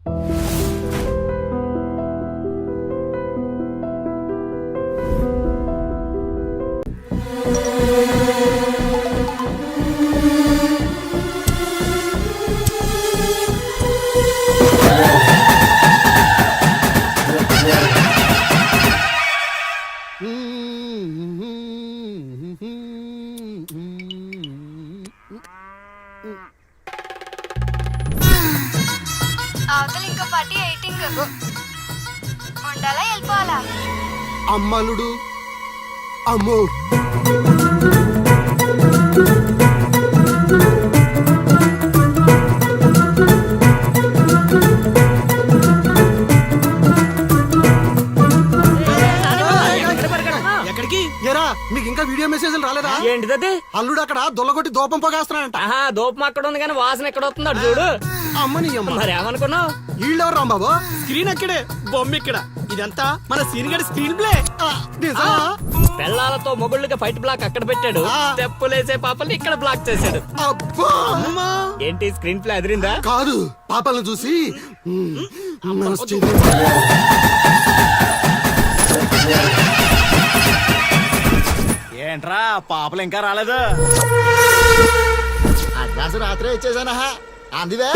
అవతల ఇంకో పార్టీ ఎయిటింగ్ ఉండాలా వెళ్ళిపోవాలా? అమ్మలుడు అమ్మో మీకు ఇంకా వీడియో మెసేజ్లు రాలేదా? ఏంటిది? అల్లుడు అక్కడ దొల్లగొట్టి దూపం పొగేస్తున్నాడంట. దూపం అక్కడ ఉంది కానీ వాసన ఎక్కడ వస్తుంది చూడు. అమ్మని అమ్మ మరి ఏమనుకున్నావు? వీళ్ళెవరు రాంబాబు? స్క్రీన్ అక్కడే, బొమ్మ ఇక్కడ. ఇదంతా మన సీన్ గడి స్క్రీన్ ప్లే. పెళ్ళాలతో మొగుళ్ళకి ఫైట్ బ్లాక్ అక్కడ పెట్టాడు, తెప్పులేసే పాపల్ని ఇక్కడ బ్లాక్ చేశాడు. ఏంటి స్క్రీన్ ప్లే అదిరిందా? కాదు, పాపలను చూసి ఏంట్రా పాపలు ఇంకా రాలేదు? అడ్వాన్స్ రాత్రే ఇచ్చేసానా అందువే.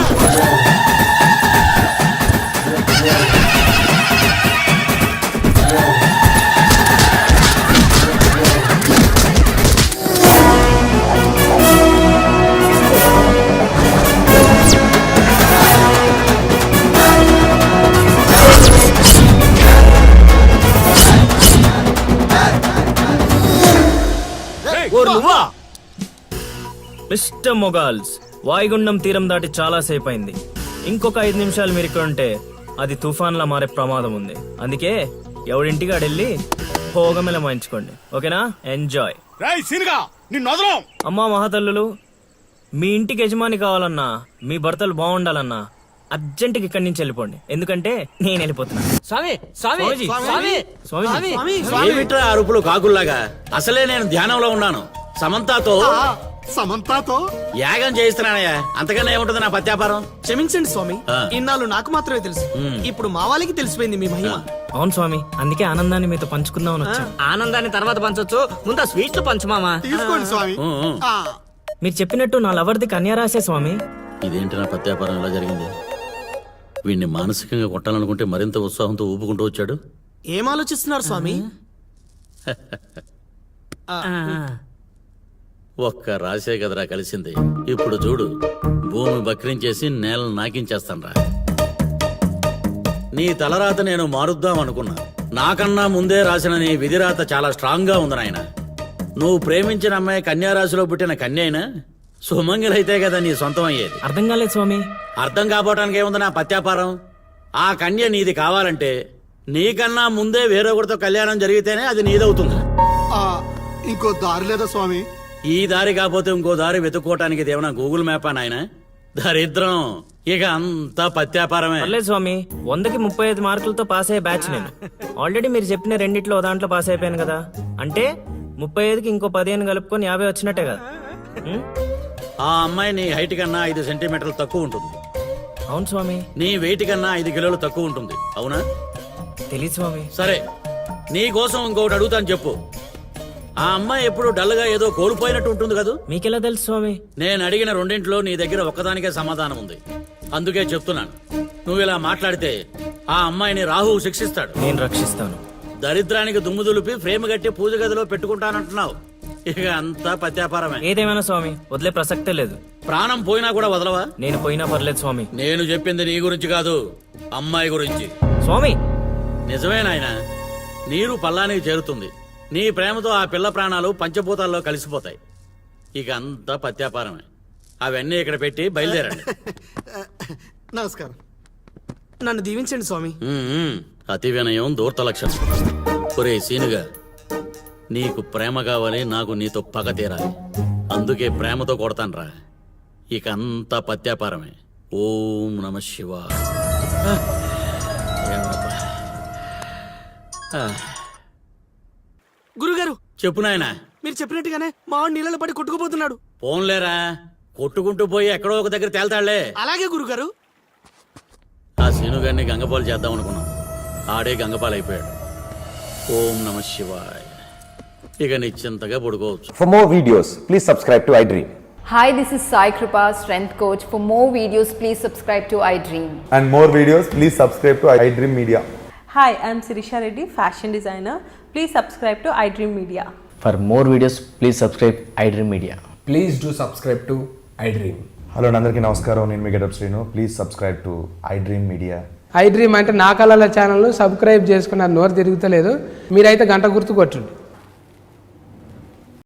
మిస్టర్ మొగాల్స్, వాయుగుండం తీరం దాటి చాలా సేపు అయింది. ఇంకొక 5 నిమిషాలు మీరు ఇక్కడ ఉంటే అది తుఫాన్లా మారే ప్రమాదం ఉంది. అందుకే ఎవడింటికి ఆడెళ్ళి భోగమెల మంచుకోండి. ఓకేనా? ఎంజాయ్. అమ్మా మహాతల్లులు, మీ ఇంటికి యజమాని కావాలన్నా, మీ భర్తలు బాగుండాలన్నా అర్జెంటుకి ఇక్కడి నుంచి వెళ్ళిపోండి. ఎందుకంటే నేను వెళ్ళిపోతున్నా. స్వామి స్వామి స్వామి స్వామి ఏమిట్రా అరుపులు కాకుల్లాగా? అసలే నేను ధ్యానంలో ఉన్నాను. సమంతాతో యాగం చేయిస్తున్నానయ్యా. అంతకన్నా ఏముంటుంది నా పత్యాపారం? క్షమించండి స్వామి, ఇన్నాళ్ళు నాకు మాత్రమే తెలుసు. ఇప్పుడు మా వాళ్ళకి తెలిసిపోయింది మీ మహిమ. అవును స్వామి, అందుకే ఆనందాన్ని మీతో పంచుకుందామని వచ్చా. ఆనందాన్ని తర్వాత పంచొచ్చు, ముందు స్వీట్లు పంచుమామా. తీసుకోండి స్వామి. మీరు చెప్పినట్టు నా లవర్ది కన్యారాశే స్వామి. ఇదేంటి నా పత్యాపారం ఇలా జరిగింది? వీడిని మానసికంగా కొట్టాలనుకుంటే మరింత ఉత్సాహంతో ఊపుకుంటూ వచ్చాడు. ఏం ఆలోచిస్తున్నారు స్వామి? ఒక్క రాసే కదరా కలిసింది. ఇప్పుడు చూడు, భూమి బక్రించేసి నేలను నాకించేస్తాన్రా. నీ తలరాత నేను మారుద్దాం అనుకున్నా. నాకన్నా ముందే రాసిన నీ విధిరాత చాలా స్ట్రాంగ్ గా ఉంది నాయన. నువ్వు ప్రేమించిన అమ్మాయి కన్యారాశిలో పుట్టిన కన్య అయినా సుమంగిలైతే కదా నీ సొంతం అయ్యేది. అర్థం కాలేదు స్వామి. అర్థం కాపోవటానికి ఏముంది నా పత్యాపారం? ఆ కన్య నీది కావాలంటే నీకన్నా ముందే వేరొకరితో కళ్యాణం జరిగితేనే అది నీదవుతుంది. ఇంకో దారి లేదా స్వామి? ఈ దారి కాకపోతే ఇంకో దారి వెతుక్కోవటానికి ఇదేమన్నా గూగుల్ మ్యాపా నాయన? దరిద్రం. ఇక అంతా పత్యాపారమే. పర్లేదు స్వామి, 100కి 35 మార్కులతో పాస్ అయ్యే బ్యాచ్ నేను. ఆల్రెడీ మీరు చెప్పిన రెండిట్లో దాంట్లో పాస్ అయిపోయాను కదా. అంటే 35కి ఇంకో 15 కలుపుకొని 50 వచ్చినట్టే కదా. ఆ అమ్మాయి నీ హైట్ కన్నా 5 సెంటీమీటర్లు తక్కువ ఉంటుంది. అవును స్వామి. నీ వెయిట్ కన్నా 5 కిలోలు తక్కువ ఉంటుంది. అవునా? తెలియదు స్వామి. సరే, నీ కోసం ఇంకొకటి అడుగుతాను, చెప్పు. ఆ అమ్మాయి ఎప్పుడు డల్ గా ఏదో కోల్పోయినట్టు ఉంటుంది కదా? మీకెలా తెలుసు స్వామి? నేను అడిగిన రెండింటిలో నీ దగ్గర ఒక్కదానికే సమాధానం ఉంది. అందుకే చెప్తున్నాను. నువ్వు ఇలా మాట్లాడితే ఆ అమ్మాయిని రాహువు శిక్షిస్తాడు. నేను రక్షిస్తాను. దరిద్రానికి దుమ్ము దులిపి ఫ్రేమ్ కట్టి పూజ గదిలో పెట్టుకుంటానంటున్నావు. ఇక అంతా పత్యాపారమే. ఏదేమైనా స్వామి, వదిలే ప్రసక్తే లేదు. ప్రాణం పోయినా కూడా వదలవా? నేను పోయినా పర్లేదు స్వామి. నేను చెప్పింది నీ గురించి కాదు, అమ్మాయి గురించి. స్వామి నిజమే నాయన, నీరు పల్లానికి చేరుతుంది. నీ ప్రేమతో ఆ పిల్ల ప్రాణాలు పంచభూతాల్లో కలిసిపోతాయి. ఇక అంతా పత్యాపారమే. అవన్నీ ఇక్కడ పెట్టి బయలుదేరండి. నమస్కారం. నన్ను దీవించండి స్వామి. అతి వినయం దూర్త లక్షణం. ఒరే సీనుగా, నీకు ప్రేమ కావాలి, నాకు నీతో పగ తీరాలి. అందుకే ప్రేమతో కొడతాన్రా. ఇక అంతా పత్యాపారమే. ఓం నమ శివాయ. గురుగారు చెప్పు నాయనా. మీరు చెప్పినట్టుగానే మా వాడు నీళ్ళలో పడి కొట్టుకుపోతున్నాడు. పోన్లేరా, కొట్టుకుంటూ పోయి ఎక్కడో ఒక దగ్గర తేల్తాళ్లే. అలాగే గురుగారు. ఆ సీనుగారిని గంగపాలు చేద్దాం అనుకున్నాం, ఆడే గంగపాలు అయిపోయాడు. ఓం నమ శివాయ. ఇక నిశ్చింతగా పడుకోవచ్చు. For more videos, please subscribe to iDream. Hi, this is Sai Kripa, Strength Coach. For more videos, please subscribe to iDream. And more videos, please subscribe to iDream Media. Hi, I'm Sirisha Reddy, fashion designer. Please subscribe to iDream Media. For more videos, please subscribe iDream Media. Please do subscribe to iDream. Hello అందరికీ నమస్కారం, నేను మీ Getup Srinu. Please subscribe to iDream Media. iDream అంటే నా కళల ఛానల్ను subscribe చేసుకున్న నోరు తిరుగుతలేదు, మీరైతే గంట గుర్తు కొట్టండి.